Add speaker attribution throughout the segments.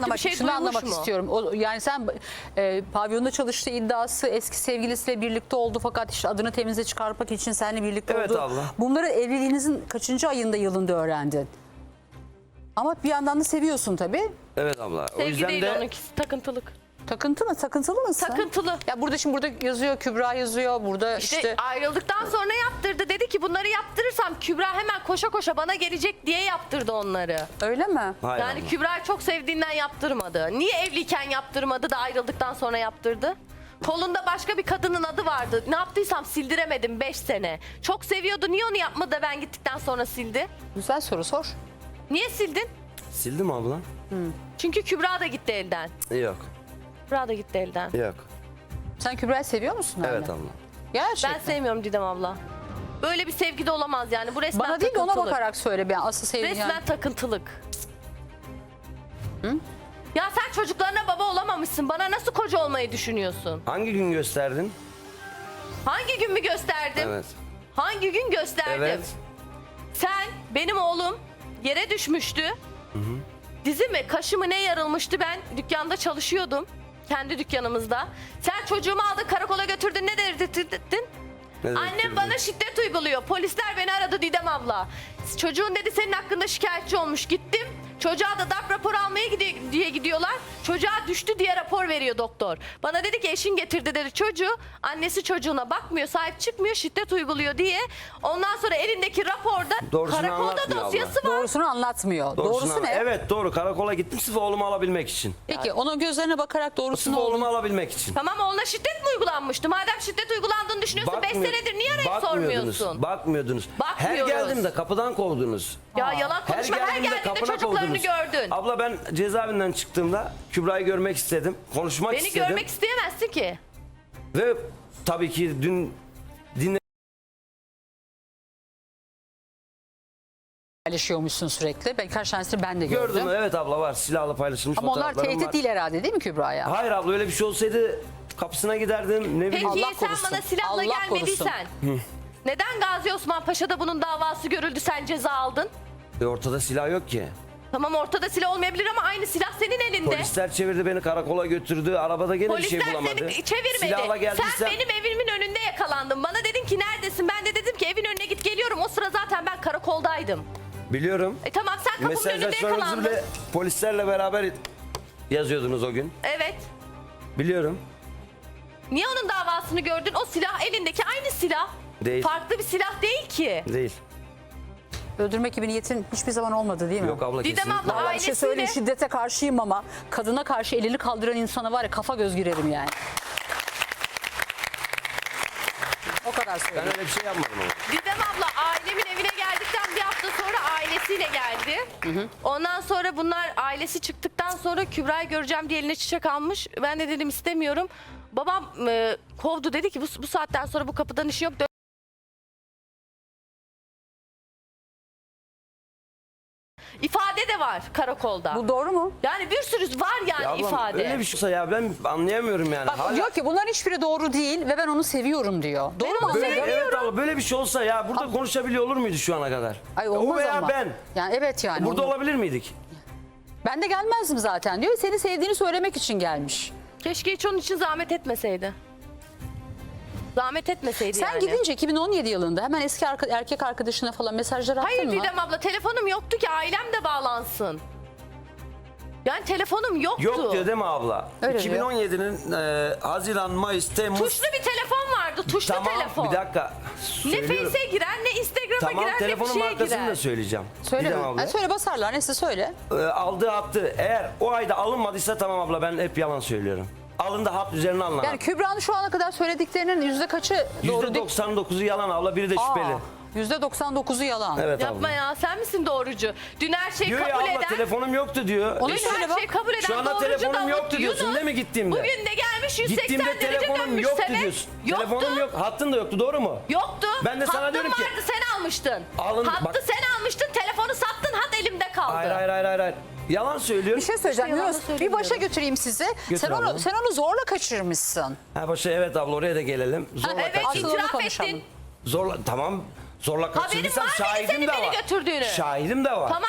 Speaker 1: anlamak,
Speaker 2: bir şey
Speaker 1: şunu
Speaker 2: duymuş
Speaker 1: anlamak
Speaker 2: mu?
Speaker 1: istiyorum. Yani sen pavyonda çalıştığı iddiası, eski sevgilisiyle birlikte oldu fakat işte adını temize çıkarmak için seninle birlikte
Speaker 3: Evet
Speaker 1: oldu.
Speaker 3: abla.
Speaker 1: Bunları evliliğinizin kaçıncı ayında, yılında öğrendin? Ama bir yandan da seviyorsun tabii.
Speaker 3: Evet abla. O
Speaker 2: Sevgi
Speaker 3: yüzden
Speaker 2: değil
Speaker 3: de
Speaker 2: onunkisi, takıntılık.
Speaker 1: Takıntılı mısın?
Speaker 2: Takıntılı.
Speaker 1: Ya burada yazıyor, Kübra yazıyor. Burada işte
Speaker 2: ayrıldıktan sonra yaptırdı. Dedi ki bunları yaptırırsam Kübra hemen koşa koşa bana gelecek diye yaptırdı onları.
Speaker 1: öyle mi?
Speaker 3: hayır
Speaker 2: Yani
Speaker 3: abla.
Speaker 2: Kübra'yı çok sevdiğinden yaptırmadı. Niye evliyken yaptırmadı da ayrıldıktan sonra yaptırdı? Kolunda başka bir kadının adı vardı. Ne yaptıysam sildiremedim 5 sene. Çok seviyordu. Niye onu yapmadı da ben gittikten sonra sildi?
Speaker 1: Güzel soru, sor.
Speaker 2: Niye sildin?
Speaker 3: Sildim abla.
Speaker 2: Çünkü Kübra da gitti elden.
Speaker 3: Yok.
Speaker 2: Kübra da gitti elden.
Speaker 3: Yok.
Speaker 1: Sen Kübra'yı seviyor musun?
Speaker 3: Evet
Speaker 1: anne?
Speaker 3: abla.
Speaker 1: Gerçekten.
Speaker 2: Ben sevmiyorum Didem abla. Böyle bir sevgi de olamaz yani. Bu resmen
Speaker 1: Bana değil de ona
Speaker 2: takıntılık.
Speaker 1: bakarak söyle. Ben asıl sevdiğin
Speaker 2: Resmen
Speaker 1: yani.
Speaker 2: takıntılık. Ya sen çocuklarına baba olamamışsın. Bana nasıl koca olmayı düşünüyorsun?
Speaker 3: Hangi gün gösterdin?
Speaker 2: Hangi gün mü gösterdim?
Speaker 3: Evet.
Speaker 2: Hangi gün gösterdim?
Speaker 3: Evet.
Speaker 2: Sen, benim oğlum yere düşmüştü. Dizi mi, kaşı mı ne yarılmıştı, ben dükkanda çalışıyordum. Kendi dükkanımızda. Sen çocuğumu aldın karakola götürdün, ne dedirdin?
Speaker 3: Ne
Speaker 2: Annem
Speaker 3: dedirdin?
Speaker 2: bana şiddet uyguluyor. Polisler beni aradı Didem abla. Çocuğun dedi senin hakkında şikayetçi olmuş. Gittim. Çocuğa da darp raporu almaya diye gidiyorlar. Çocuğa düştü diye rapor veriyor doktor. Bana dedi ki eşin getirdi dedi çocuğu. Annesi çocuğuna bakmıyor, sahip çıkmıyor, şiddet uyguluyor diye. Ondan sonra elindeki raporda
Speaker 3: Doğrusunu
Speaker 2: karakolda
Speaker 3: anlatmıyor
Speaker 2: dosyası var.
Speaker 1: Doğrusunu anlatmıyor. Doğrusu ne?
Speaker 3: Evet doğru. Karakola gittim sırf oğlumu alabilmek için.
Speaker 1: Peki onun gözlerine bakarak
Speaker 3: Sırf
Speaker 1: doğrusunu
Speaker 3: oğlumu alabilmek için.
Speaker 2: Tamam oğluna şiddet mi uygulanmıştı? Madem şiddet uygulandığını düşünüyorsun 5
Speaker 3: Bakmıyor-
Speaker 2: senedir niye arayıp
Speaker 3: bakmıyordunuz,
Speaker 2: sormuyorsun?
Speaker 3: Bakmıyordunuz. Her
Speaker 2: Bakmıyoruz.
Speaker 3: geldiğimde kapıdan kovdunuz.
Speaker 2: Ya yalan konuşma, her geldiğinde
Speaker 3: kapına
Speaker 2: çocuklarını
Speaker 3: kovdunuz.
Speaker 2: gördün.
Speaker 3: Abla ben cezaevinden çıktığımda Kübra'yı görmek istedim. Konuşmak
Speaker 2: Beni
Speaker 3: istedim.
Speaker 2: görmek isteyemezsin ki.
Speaker 3: Ve tabii ki dün
Speaker 1: paylaşıyormuşsun sürekli. Ben kaç tanesini ben de gördüm.
Speaker 3: gördüm. Evet abla var. Silahla paylaşılmış
Speaker 1: Ama onlar
Speaker 3: fotoğraflarım
Speaker 1: tehdit
Speaker 3: var.
Speaker 1: değil herhalde değil mi Kübra'ya?
Speaker 3: Hayır abla öyle bir şey olsaydı kapısına giderdim. Ne bileyim.
Speaker 2: Peki
Speaker 1: Allah
Speaker 2: sen
Speaker 1: korusun.
Speaker 2: bana silahla
Speaker 1: Allah
Speaker 2: gelmediysen neden Gazi Osman Paşa'da bunun davası görüldü, sen ceza aldın?
Speaker 3: Ortada silah yok ki.
Speaker 2: Tamam ortada silah olmayabilir ama aynı silah senin elinde.
Speaker 3: Polisler çevirdi beni karakola götürdü. Arabada gene bir şey
Speaker 2: Polisler
Speaker 3: bulamadı.
Speaker 2: seni çevirmedi.
Speaker 3: Silahla geldiysen
Speaker 2: Sen benim evimin önünde yakalandın. Bana dedin ki neredesin? Ben de dedim ki evin önüne git geliyorum. O sıra zaten ben karakoldaydım.
Speaker 3: biliyorum.
Speaker 2: Tamam sen kapının önünde
Speaker 3: Mesajlaşmalarınızı
Speaker 2: yakalandın.
Speaker 3: bile polislerle beraber yazıyordunuz o gün.
Speaker 2: Evet.
Speaker 3: Biliyorum.
Speaker 2: Niye onun davasını gördün? O silah elindeki aynı silah.
Speaker 3: Değil.
Speaker 2: Farklı bir silah değil ki.
Speaker 3: Değil.
Speaker 1: Öldürmek gibi niyetin hiçbir zaman olmadı değil mi?
Speaker 3: Yok abla
Speaker 2: Didem
Speaker 3: kesinlikle.
Speaker 2: abla,
Speaker 1: Vallahi bir şey söyleyeyim,
Speaker 2: ailesiyle-
Speaker 1: şiddete karşıyım ama kadına karşı elini kaldıran insana var ya kafa göz girerim yani. O kadar
Speaker 3: Ben
Speaker 1: söyleyeyim.
Speaker 3: öyle bir şey yapmadım ama.
Speaker 2: Didem abla ailemin evine geldikten bir hafta sonra ailesiyle geldi. Ondan sonra bunlar ailesi çıktıktan sonra Kübra'yı göreceğim diye eline çiçek almış. Ben de dedim istemiyorum. Babam kovdu, dedi ki bu saatten sonra bu kapıdan işi yok. İfade de var karakolda.
Speaker 1: Bu doğru mu?
Speaker 2: Yani bir sürü var yani
Speaker 3: Ya ablam,
Speaker 2: ifade.
Speaker 3: öyle bir şey olsa ya ben anlayamıyorum yani.
Speaker 1: Bak
Speaker 3: Hala-
Speaker 1: diyor ki bunların hiçbiri doğru değil ve ben onu seviyorum diyor. Doğru mu?
Speaker 3: Böyle,
Speaker 1: anlıyorum?
Speaker 3: evet abla böyle bir şey olsa ya burada konuşabiliyor olur muydu şu ana kadar?
Speaker 1: Ay
Speaker 3: o
Speaker 1: olmaz
Speaker 3: veya
Speaker 1: ama.
Speaker 3: ben.
Speaker 1: Yani evet yani.
Speaker 3: Burada
Speaker 1: olmaz.
Speaker 3: olabilir miydik?
Speaker 1: Ben de gelmezdim zaten diyor. Seni sevdiğini söylemek için gelmiş.
Speaker 2: Keşke hiç onun için zahmet etmeseydi. Zahmet etmeseydi
Speaker 1: Sen
Speaker 2: yani.
Speaker 1: gidince 2017 yılında hemen eski erkek arkadaşına falan mesajlar attın
Speaker 2: Hayır
Speaker 1: mı?
Speaker 2: Didem abla, telefonum yoktu ki ailem de bağlansın. Yani telefonum yoktu.
Speaker 3: Yok diyor değil mi abla?
Speaker 1: Öyle diyor.
Speaker 3: 2017'nin Haziran, Mayıs, Temmuz.
Speaker 2: Tuşlu bir telefon vardı. Tuşlu
Speaker 3: Tamam
Speaker 2: telefon.
Speaker 3: bir dakika.
Speaker 2: Ne
Speaker 3: Söylüyorum.
Speaker 2: Face'e girer, ne Instagram'a
Speaker 3: Tamam
Speaker 2: girer, ne bir
Speaker 3: telefonun
Speaker 2: şeye
Speaker 3: markasını
Speaker 2: girer.
Speaker 3: da söyleyeceğim.
Speaker 1: Söyle
Speaker 3: Didem
Speaker 1: mi?
Speaker 3: abla.
Speaker 1: Ha, söyle basarlar. Neyse söyle.
Speaker 3: Aldığı attı. Eğer o ayda alınmadıysa tamam abla ben hep yalan söylüyorum. Alındı hat üzerine alınan.
Speaker 1: Yani Kübra'nın şu ana kadar söylediklerinin yüzde kaçı doğru değil?
Speaker 3: %99'u yalan abla biri de şüpheli.
Speaker 1: %99'u yalan.
Speaker 3: Evet
Speaker 2: Yapma
Speaker 3: abla.
Speaker 2: ya, sen misin doğrucu? Dün her şeyi
Speaker 3: Diyor ya
Speaker 2: kabul
Speaker 3: abla
Speaker 2: eden...
Speaker 3: telefonum yoktu diyor.
Speaker 1: Onu
Speaker 2: Dün
Speaker 1: söyle
Speaker 2: her
Speaker 1: bak.
Speaker 2: şeyi kabul eden
Speaker 3: Şu anda
Speaker 2: doğrucu
Speaker 3: telefonum
Speaker 2: Davut
Speaker 3: yoktu diyorsun
Speaker 2: Yunus.
Speaker 3: değil mi gittiğimde?
Speaker 2: Bugün de gelmiş 180
Speaker 3: Gittiğimde
Speaker 2: derece
Speaker 3: telefonum
Speaker 2: dönmüş
Speaker 3: yoktu
Speaker 2: sene.
Speaker 3: diyorsun.
Speaker 2: Yoktu.
Speaker 3: Telefonum yok. Hattın da yoktu doğru mu?
Speaker 2: Yoktu.
Speaker 3: Ben de sana
Speaker 2: Hattın
Speaker 3: diyorum ki-
Speaker 2: vardı, sen almıştın.
Speaker 3: Alın-
Speaker 2: Hattı
Speaker 3: bak-
Speaker 2: sen almıştın, telefonu sattın, hat elimde kaldı.
Speaker 3: Hayır. Yalan söylüyor.
Speaker 1: Bir şey söyleyeceğim
Speaker 2: İşte yalan
Speaker 1: Yunus. Bir
Speaker 2: söylemiyorum.
Speaker 1: başa götüreyim sizi. Sen
Speaker 3: abla.
Speaker 1: onu zorla kaçırmışsın.
Speaker 3: Ha başa evet abla oraya da gelelim. Zorla
Speaker 2: Evet,
Speaker 1: Asıl onu
Speaker 2: itiraf
Speaker 1: konuşalım.
Speaker 2: ettin.
Speaker 3: Zorla tamam. Zorla kaçırdıysam
Speaker 2: var mıydı
Speaker 3: şahidim
Speaker 2: senin
Speaker 3: de
Speaker 2: beni
Speaker 3: var.
Speaker 2: götürdüğünü?
Speaker 3: Şahidim de var.
Speaker 2: Tamam gelsin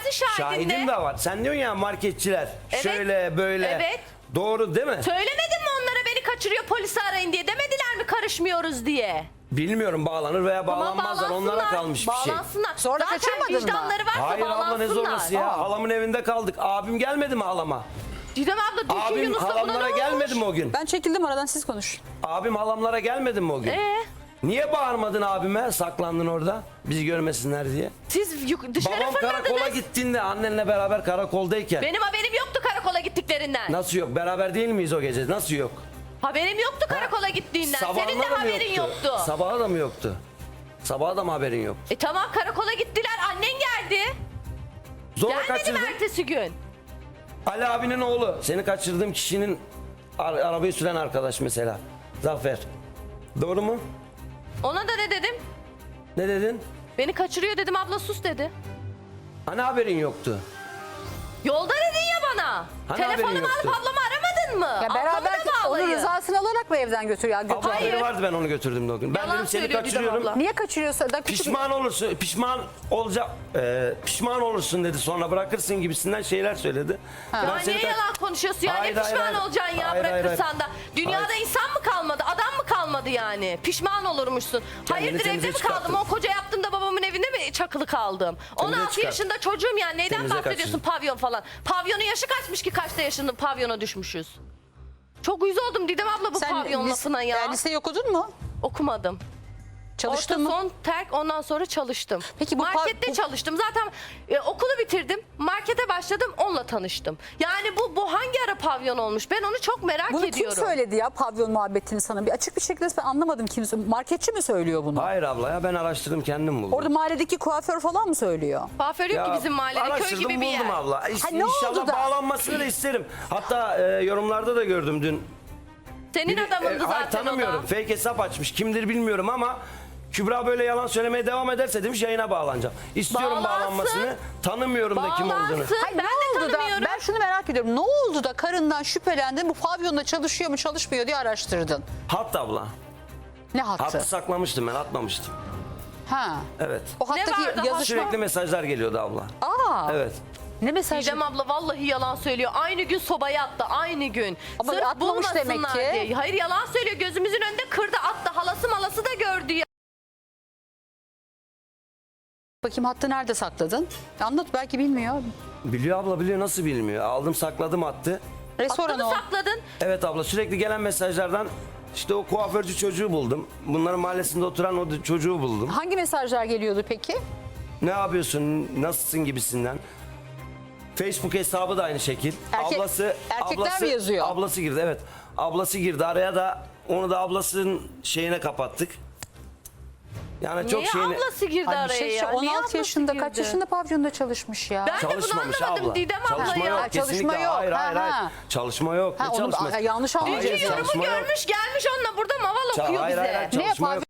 Speaker 2: Gelsin şahidin
Speaker 3: Şahidim
Speaker 2: de.
Speaker 3: de var. Sen diyorsun ya marketçiler
Speaker 2: Evet.
Speaker 3: şöyle böyle.
Speaker 2: Evet.
Speaker 3: Doğru değil mi?
Speaker 2: Söylemedin mi onlara beni kaçırıyor polisi arayın diye? Demediler mi karışmıyoruz diye?
Speaker 3: Bilmiyorum bağlanır veya bağlanmazlar. Onlara kalmış bir şey.
Speaker 2: Bağlansınlar.
Speaker 1: Sonra
Speaker 2: Zaten
Speaker 1: kaçırmadın mı?
Speaker 2: vicdanları varsa
Speaker 3: Hayır
Speaker 2: bağlansınlar.
Speaker 3: abla ne zorlası ya. Halamın evinde kaldık. Abim gelmedi mi halama?
Speaker 2: Didem abla düşün
Speaker 3: Abim
Speaker 2: Yunus'la buna ne
Speaker 3: halamlara
Speaker 2: olmuş?
Speaker 3: gelmedi mi o gün?
Speaker 1: Ben çekildim aradan, siz konuşun.
Speaker 3: Abim halamlara gelmedi mi o gün? Niye bağırmadın abime? Saklandın orada. Bizi görmesinler diye.
Speaker 2: Siz dışarı
Speaker 3: Babam karakola
Speaker 2: fırladınız.
Speaker 3: gittiğinde annenle beraber karakoldayken.
Speaker 2: Benim haberim yoktu karakola gittiklerinden.
Speaker 3: Nasıl yok? Beraber değil miyiz o gece? Nasıl yok?
Speaker 2: Haberim yoktu karakola gittiğinden. Senin de
Speaker 3: Sabahına da mı
Speaker 2: haberin yoktu.
Speaker 3: Sabaha da mı yoktu? Sabaha da mı haberin yok?
Speaker 2: Tamam karakola gittiler. Annen geldi.
Speaker 3: Zorla
Speaker 2: Gelmedi
Speaker 3: kaçırdın.
Speaker 2: mi ertesi gün?
Speaker 3: Ali abinin oğlu. Seni kaçırdığım kişinin arabayı süren arkadaş mesela. Zafer. Doğru mu?
Speaker 2: Ona da ne dedim?
Speaker 3: Ne dedin?
Speaker 2: Beni kaçırıyor dedim, abla sus dedi.
Speaker 3: Hani haberin yoktu?
Speaker 2: Yolda dedin ya bana.
Speaker 3: Hani
Speaker 2: Telefonumu
Speaker 3: haberin
Speaker 2: alıp
Speaker 3: yoktu?
Speaker 2: ablamı aramadın mı?
Speaker 1: Ya
Speaker 2: Ablamı
Speaker 1: beraber
Speaker 2: da
Speaker 1: onun
Speaker 2: bağlayın.
Speaker 1: rızasını alarak mı evden götürüyor?
Speaker 3: Abla
Speaker 2: Hayır.
Speaker 3: haberi vardı, ben onu götürdüm de o gün. Ben
Speaker 2: Yalan
Speaker 3: dedim seni
Speaker 2: söylüyor Didem
Speaker 3: kaçırıyorum.
Speaker 2: abla.
Speaker 1: Niye kaçırıyorsa da
Speaker 3: Pişman olursun, pişman olursun dedi. Sonra bırakırsın gibisinden şeyler söyledi. Ben
Speaker 2: Ya
Speaker 3: seni
Speaker 2: niye yalan konuşuyorsun ya?
Speaker 3: Hayır,
Speaker 2: Ne
Speaker 3: hayır,
Speaker 2: pişman
Speaker 3: hayır.
Speaker 2: olacaksın ya
Speaker 3: Hayır, hayır,
Speaker 2: bırakırsan
Speaker 3: hayır.
Speaker 2: da? Dünyada
Speaker 3: Hayır.
Speaker 2: insan mı kalmadı? Adam mı kalmadı yani? Pişman olurmuşsun. Hayırdır evde
Speaker 3: temize
Speaker 2: mi kaldım?
Speaker 3: çıkarttın.
Speaker 2: O koca yaptığımda babamın evinde mi çakılı kaldım? 16
Speaker 3: çıkart.
Speaker 2: yaşında çocuğum yani. Neyden
Speaker 3: Temize
Speaker 2: bahsediyorsun
Speaker 3: kaçırdın.
Speaker 2: pavyon falan? Pavyonun yaşı kaçmış ki kaçta yaşında pavyona düşmüşüz? Çok uyuz oldum Didem abla bu pavyon lafına ya.
Speaker 1: Liseyi okudun mu?
Speaker 2: Okumadım.
Speaker 1: Çalıştın
Speaker 2: Orta
Speaker 1: mı?
Speaker 2: son terk, ondan sonra çalıştım.
Speaker 1: Peki bu
Speaker 2: markette çalıştım. Zaten okulu bitirdim. Markete başladım. Onunla tanıştım. Yani bu hangi ara pavyon olmuş? Ben onu çok merak
Speaker 1: Bunu
Speaker 2: ediyorum.
Speaker 1: kim söyledi ya pavyon muhabbetini sana? Bir açık bir şekilde ben anlamadım kim. Marketçi mi söylüyor bunu?
Speaker 3: Hayır abla ya, ben araştırdım, kendim buldum.
Speaker 1: Orada mahalledeki kuaför falan mı söylüyor?
Speaker 2: Kuaför yok ki bizim mahallede. Köy
Speaker 3: araştırdım,
Speaker 2: gibi bir yer.
Speaker 3: buldum abla.
Speaker 1: Ha, ne oldu
Speaker 3: İnşallah
Speaker 1: da?
Speaker 3: bağlanmasını da isterim. Hatta yorumlarda da gördüm dün.
Speaker 2: Senin adamındı
Speaker 3: hayır,
Speaker 2: zaten o
Speaker 3: tanımıyorum.
Speaker 2: da.
Speaker 3: Fake hesap açmış. Kimdir bilmiyorum ama Kübra böyle yalan söylemeye devam ederse demiş yayına bağlanacağım. İstiyorum
Speaker 2: Bağlansın.
Speaker 3: bağlanmasını. Tanımıyorum da kim olduğunu.
Speaker 2: Bağlansın.
Speaker 1: Hayır,
Speaker 2: Ben
Speaker 1: ne
Speaker 2: de
Speaker 1: oldu da
Speaker 2: tanımıyorum.
Speaker 1: ben şunu merak ediyorum. Ne oldu da karından şüphelendin, bu pavyonda çalışıyor mu çalışmıyor diye araştırdın?
Speaker 3: Hat abla.
Speaker 1: Ne hattı?
Speaker 3: Hattı saklamıştım ben, atmamıştım.
Speaker 1: Ha.
Speaker 3: Evet.
Speaker 1: O hattaki
Speaker 2: vardı
Speaker 1: yazışma.
Speaker 3: Sürekli mesajlar geliyordu abla.
Speaker 1: Aa.
Speaker 3: Evet.
Speaker 1: Ne mesajı?
Speaker 2: Didem abla vallahi yalan söylüyor. Aynı gün sobaya attı. Aynı gün.
Speaker 1: Ama
Speaker 2: Sırf
Speaker 1: atmamış demek
Speaker 2: bulmasınlar
Speaker 1: ki.
Speaker 2: diye. Hayır yalan söylüyor. Gözümüzün önünde kırdı attı. Halası malası da gördü ya.
Speaker 1: Bakayım hattı nerede sakladın? Anlat, belki bilmiyor.
Speaker 3: Biliyor abla, biliyor, nasıl bilmiyor. Aldım sakladım attı.
Speaker 1: Restoran
Speaker 2: Attığını
Speaker 1: o.
Speaker 2: sakladın.
Speaker 3: Evet abla, sürekli gelen mesajlardan işte o kuaförcü çocuğu buldum. Bunların mahallesinde oturan o çocuğu buldum.
Speaker 1: Hangi mesajlar geliyordu peki?
Speaker 3: Ne yapıyorsun, nasılsın gibisinden. Facebook hesabı da aynı şekil.
Speaker 1: Erkekler mi yazıyor?
Speaker 3: Ablası girdi, evet. Ablası girdi araya da, onu da ablasının şeyine kapattık. Yani çok
Speaker 2: Niye
Speaker 3: şeyini...
Speaker 2: ablası girdi
Speaker 1: Ay bir
Speaker 2: araya
Speaker 1: şey
Speaker 2: ya? Niye
Speaker 1: 16
Speaker 2: ablası
Speaker 1: yaşında
Speaker 2: girdi?
Speaker 1: kaç yaşında pavyonda çalışmış ya?
Speaker 2: Ben de bunu
Speaker 3: Çalışmamış
Speaker 2: anlamadım
Speaker 3: abla.
Speaker 2: Didem abla
Speaker 3: Çalışma
Speaker 2: ya.
Speaker 3: yok,
Speaker 1: Ha, çalışma
Speaker 3: kesinlikle.
Speaker 1: yok.
Speaker 3: Hayır,
Speaker 1: Ha,
Speaker 3: hayır,
Speaker 1: ha.
Speaker 3: hayır. Çalışma yok.
Speaker 1: Ha,
Speaker 3: Ne
Speaker 1: onu
Speaker 3: çalışması?
Speaker 1: yanlış anlayacağız.
Speaker 3: Hayır,
Speaker 2: Dünkü yorumu
Speaker 3: çalışma yok.
Speaker 2: görmüş gelmiş onunla burada maval okuyor
Speaker 3: Hayır,
Speaker 2: bize.
Speaker 3: hayır, hayır.
Speaker 1: Ne
Speaker 3: Çalışma
Speaker 1: pavyon?
Speaker 3: yok.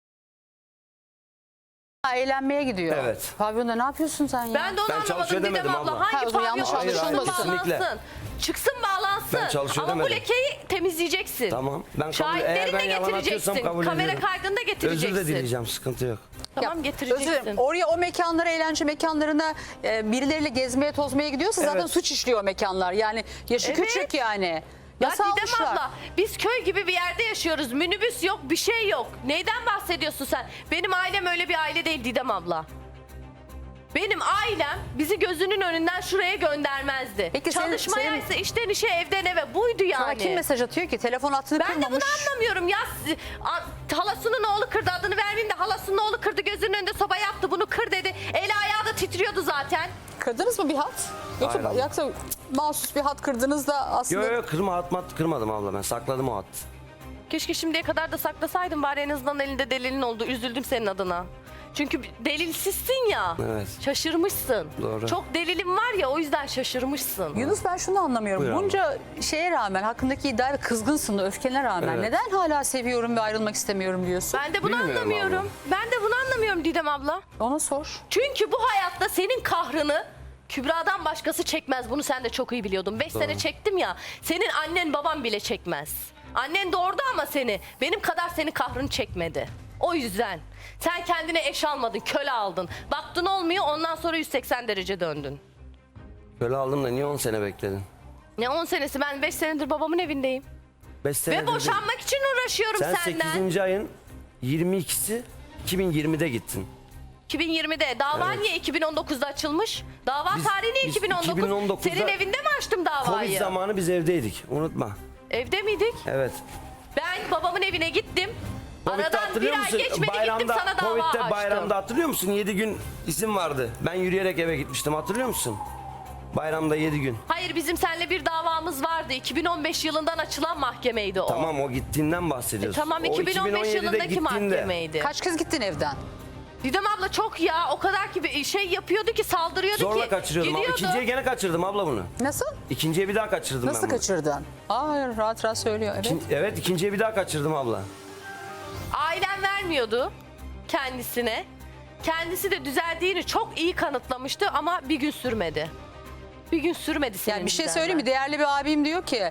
Speaker 1: Eğlenmeye gidiyor.
Speaker 3: Evet.
Speaker 1: Pavyonda ne yapıyorsun sen ya?
Speaker 2: Ben de onu
Speaker 3: Ben çalışıyor
Speaker 2: anlamadım Didem
Speaker 3: demedim
Speaker 2: abla.
Speaker 3: abla.
Speaker 2: Hangi
Speaker 1: Ha, o zaman
Speaker 2: pavyon
Speaker 1: yanlış
Speaker 2: çıksın
Speaker 1: anlaşılmasın.
Speaker 3: Kesinlikle.
Speaker 2: bağlansın. Çıksın bağlansın.
Speaker 3: Ben çalışıyor
Speaker 2: Ama bu
Speaker 3: demedim.
Speaker 2: lekeyi temizleyeceksin.
Speaker 3: Tamam. Ben eğer
Speaker 2: Şahitlerini
Speaker 3: ben
Speaker 2: de
Speaker 3: yalan atıyorsam
Speaker 2: getireceksin.
Speaker 3: kabul
Speaker 2: Kamera
Speaker 3: ediyorum.
Speaker 2: kaydını da getireceksin.
Speaker 3: Özür de dileyeceğim, sıkıntı yok.
Speaker 2: Tamam
Speaker 1: Özür
Speaker 2: getireceksin.
Speaker 1: dilerim. Oraya, o mekanlara, eğlence mekanlarına birileriyle gezmeye tozmaya gidiyorsa zaten
Speaker 3: Evet.
Speaker 1: suç işliyor mekanlar. Yani yaşı
Speaker 2: Evet.
Speaker 1: küçük yani.
Speaker 2: Ya
Speaker 1: Nasıl
Speaker 2: Didem
Speaker 1: almışlar?
Speaker 2: abla biz köy gibi bir yerde yaşıyoruz. Minibüs yok, bir şey yok. Neyden bahsediyorsun sen? Benim ailem öyle bir aile değil Didem abla. Benim ailem bizi gözünün önünden şuraya göndermezdi.
Speaker 1: Peki
Speaker 2: Çalışmaya
Speaker 1: senin-
Speaker 2: ise işten işe evden eve buydu yani.
Speaker 1: Sana kim mesaj atıyor ki? Telefon hattını
Speaker 2: Ben de bunu
Speaker 1: kırmamış.
Speaker 2: anlamıyorum ya. Halasının oğlu kırdı, adını vermeyeyim de halasının oğlu kırdı, gözünün önünde soba yaptı, bunu kır dedi. Eli ayağı da titriyordu zaten.
Speaker 1: Kırdınız mı bir hat?
Speaker 3: Hayır abla.
Speaker 1: Yoksa mahsus bir hat kırdınız da aslında...
Speaker 3: Yok yok, kırmadım abla, ben sakladım o hattı.
Speaker 2: Keşke şimdiye kadar da saklasaydım, bari en azından elinde delilin oldu. Üzüldüm senin adına. Çünkü delilsizsin ya.
Speaker 3: Evet.
Speaker 2: Şaşırmışsın.
Speaker 3: Doğru.
Speaker 2: Çok delilin var ya, o yüzden şaşırmışsın.
Speaker 1: Yunus, ben şunu anlamıyorum.
Speaker 3: Buyur abla.
Speaker 1: Bunca şeye rağmen, hakkındaki iddiaya kızgınsın da, öfkene rağmen
Speaker 3: Evet.
Speaker 1: neden hala seviyorum ve ayrılmak istemiyorum diyorsun?
Speaker 2: Ben de bunu
Speaker 3: Bilmiyorum
Speaker 2: anlamıyorum. Ben de bunu anlamıyorum Didem abla.
Speaker 1: Ona sor.
Speaker 2: Çünkü bu hayatta senin kahrını Kübra'dan başkası çekmez. Bunu sen de çok iyi biliyordun. 5 sene çektim ya. Senin annen baban bile çekmez. Annen doğurdu ama seni. Benim kadar senin kahrını çekmedi. O yüzden. Sen kendine eş almadın, köle aldın. Baktın olmuyor, ondan sonra 180 derece döndün.
Speaker 3: Böyle aldım da niye 10 sene bekledin?
Speaker 2: Ne 10 senesi? Ben 5 senedir babamın evindeyim.
Speaker 3: 5 senedir
Speaker 2: Ve
Speaker 3: de-
Speaker 2: boşanmak için uğraşıyorum
Speaker 3: Sen
Speaker 2: senden.
Speaker 3: 8. ayın 22'si 2020'de gittin.
Speaker 2: 2020'de. Dava
Speaker 3: Evet.
Speaker 2: niye 2019'da açılmış? Dava
Speaker 3: Biz-
Speaker 2: tarihi niye
Speaker 3: biz
Speaker 2: 2019?
Speaker 3: 2019'da
Speaker 2: Senin evinde mi açtım davayı?
Speaker 3: Covid zamanı biz evdeydik. Unutma.
Speaker 2: Evde miydik?
Speaker 3: Evet.
Speaker 2: Ben babamın evine gittim.
Speaker 3: Covid'de
Speaker 2: Aradan bir
Speaker 3: hatırlıyor
Speaker 2: ay
Speaker 3: musun?
Speaker 2: geçmedi gittim sana dava
Speaker 3: Covid'de
Speaker 2: açtım.
Speaker 3: bayramda hatırlıyor musun? 7 gün izin vardı. Ben yürüyerek eve gitmiştim. Hatırlıyor musun? Bayramda 7 gün.
Speaker 2: Hayır, bizim seninle bir davamız vardı. 2015 yılından açılan mahkemeydi o.
Speaker 3: Tamam, o gittiğinden bahsediyorsun.
Speaker 2: Tamam,
Speaker 3: O
Speaker 2: 2015
Speaker 3: 2017'de
Speaker 2: yılındaki
Speaker 3: gittiğinde.
Speaker 2: mahkemeydi.
Speaker 1: Kaç kez gittin evden?
Speaker 2: Didem abla çok ya, o kadar ki bir şey yapıyordu ki, saldırıyordu
Speaker 3: Zorla
Speaker 2: ki.
Speaker 3: kaçırıyordum. Ama
Speaker 2: gidiyordu.
Speaker 3: ikinciye gene kaçırdım abla bunu.
Speaker 1: Nasıl?
Speaker 3: İkinciye bir daha kaçırdım
Speaker 1: Nasıl
Speaker 3: ben bunu.
Speaker 1: kaçırdın? Aa, rahat rahat söylüyor. Evet.
Speaker 3: Evet, ikinciye bir daha kaçırdım abla.
Speaker 2: Ailem vermiyordu kendisine. Kendisi de düzeldiğini çok iyi kanıtlamıştı ama bir gün sürmedi. Bir gün sürmedi senin
Speaker 1: Yani bir şey
Speaker 2: düzelmen.
Speaker 1: söyleyeyim mi? Değerli bir abim diyor ki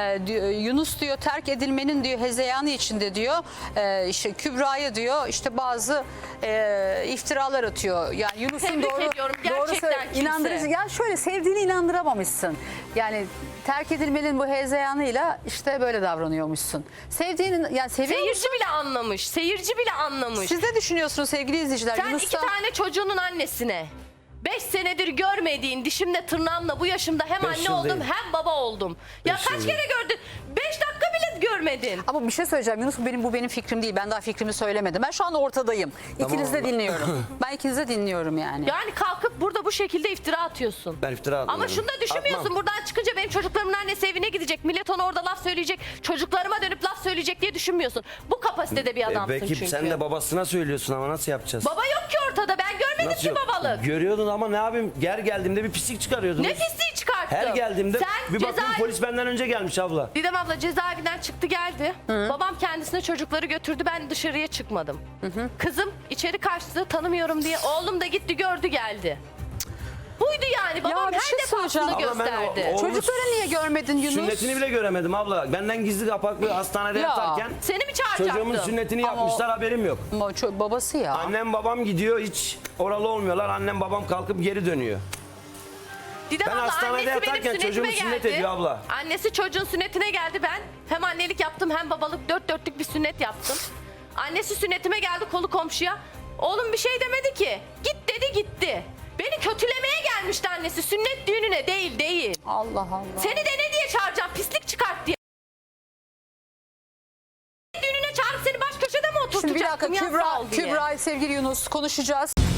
Speaker 1: Yunus diyor terk edilmenin diyor hezeyanı içinde diyor işte Kübra'ya diyor işte bazı iftiralar atıyor. Yani Yunus'un
Speaker 2: Tebrik
Speaker 1: doğru
Speaker 2: ediyorum. Gerçekten kimse.
Speaker 1: inandırıcı. Ya şöyle sevdiğini inandıramamışsın. Yani terk edilmenin bu hezeyanıyla işte böyle davranıyormuşsun. Sevdiğini yani seviyor musun?
Speaker 2: Seyirci bile anlamış. Seyirci bile anlamış.
Speaker 1: Siz ne düşünüyorsunuz sevgili izleyiciler?
Speaker 2: Sen
Speaker 1: Yunus'tan...
Speaker 2: 2 tane çocuğunun annesine 5 senedir görmediğin dişimle tırnağımla bu yaşımda hem
Speaker 3: Beş
Speaker 2: anne
Speaker 3: yıl
Speaker 2: oldum
Speaker 3: değil.
Speaker 2: hem baba oldum. Ya
Speaker 3: 5
Speaker 2: kaç
Speaker 3: yıl
Speaker 2: kere
Speaker 3: değil.
Speaker 2: gördün? 5 dakika bile görmedin.
Speaker 1: Ama bir şey söyleyeceğim Yunus, bu benim fikrim değil. Ben daha fikrimi söylemedim. Ben şu anda ortadayım. İkinizi de
Speaker 3: abla.
Speaker 1: dinliyorum. Ben ikinizi de dinliyorum yani.
Speaker 2: Yani kalkıp burada bu şekilde iftira atıyorsun.
Speaker 3: Ben iftira atmıyorum.
Speaker 2: Ama şunu da düşünmüyorsun.
Speaker 3: Atmam.
Speaker 2: Buradan çıkınca benim çocuklarımın annesi evine gidecek. Millet ona orada laf söyleyecek. Çocuklarıma dönüp laf söyleyecek diye düşünmüyorsun. Bu kapasitede bir adamsın
Speaker 3: Belki
Speaker 2: çünkü.
Speaker 3: sen de babasına söylüyorsun ama nasıl yapacağız?
Speaker 2: Baba yok ki ortada. Ben görmedim
Speaker 3: Nasıl
Speaker 2: ki
Speaker 3: yok?
Speaker 2: babalık.
Speaker 3: Görüyordun ama ne yapayım? Ger geldiğimde bir pislik çıkarıyordun.
Speaker 2: Ne pisliği çıkarttım.
Speaker 3: Her geldiğimde
Speaker 2: Sen
Speaker 3: bir bakıyorum polis benden önce gelmiş abla.
Speaker 2: Didem abla cezaevinden çıktı geldi. Babam kendisine çocukları götürdü. Ben dışarıya çıkmadım. Kızım içeri kaçtı tanımıyorum diye. Oğlum da gitti gördü geldi. Buydu yani. Babam
Speaker 1: bir
Speaker 2: her
Speaker 1: şey
Speaker 2: defasında
Speaker 1: söyleyeceğim.
Speaker 3: Abla ben
Speaker 2: gösterdi.
Speaker 3: o-
Speaker 1: Çocukları niye görmedin Yunus?
Speaker 3: Sünnetini bile göremedim abla. Benden gizli kapaklı hastanede
Speaker 1: Ya.
Speaker 3: yatarken
Speaker 2: Seni mi çağıracaktım?
Speaker 3: çocuğumun sünnetini
Speaker 1: Ama
Speaker 3: yapmışlar, haberim yok.
Speaker 1: Ama babası ya.
Speaker 3: Annem babam gidiyor, hiç oralı olmuyorlar. Annem babam kalkıp geri dönüyor.
Speaker 2: Didem
Speaker 3: Ben
Speaker 2: abla,
Speaker 3: hastanede
Speaker 2: annesi benim
Speaker 3: yatarken
Speaker 2: sünnetime
Speaker 3: çocuğumu sünnet
Speaker 2: geldi.
Speaker 3: ediyor abla.
Speaker 2: Annesi çocuğun sünnetine geldi. Ben hem annelik yaptım hem babalık, 4 dörtlük bir sünnet yaptım. Annesi sünnetime geldi kolu komşuya. Oğlum bir şey demedi ki. Git dedi gitti. Beni kötülemeye gelmişti annesi. Sünnet düğününe değil.
Speaker 1: Allah Allah.
Speaker 2: Seni de ne diye çağıracağım? Pislik çıkart diye. Düğününe çağırıp seni baş köşede mi
Speaker 1: Şimdi bir dakika
Speaker 2: oturtacaktım? Ya, sağ ol diye.
Speaker 1: Kübra sevgili Yunus konuşacağız.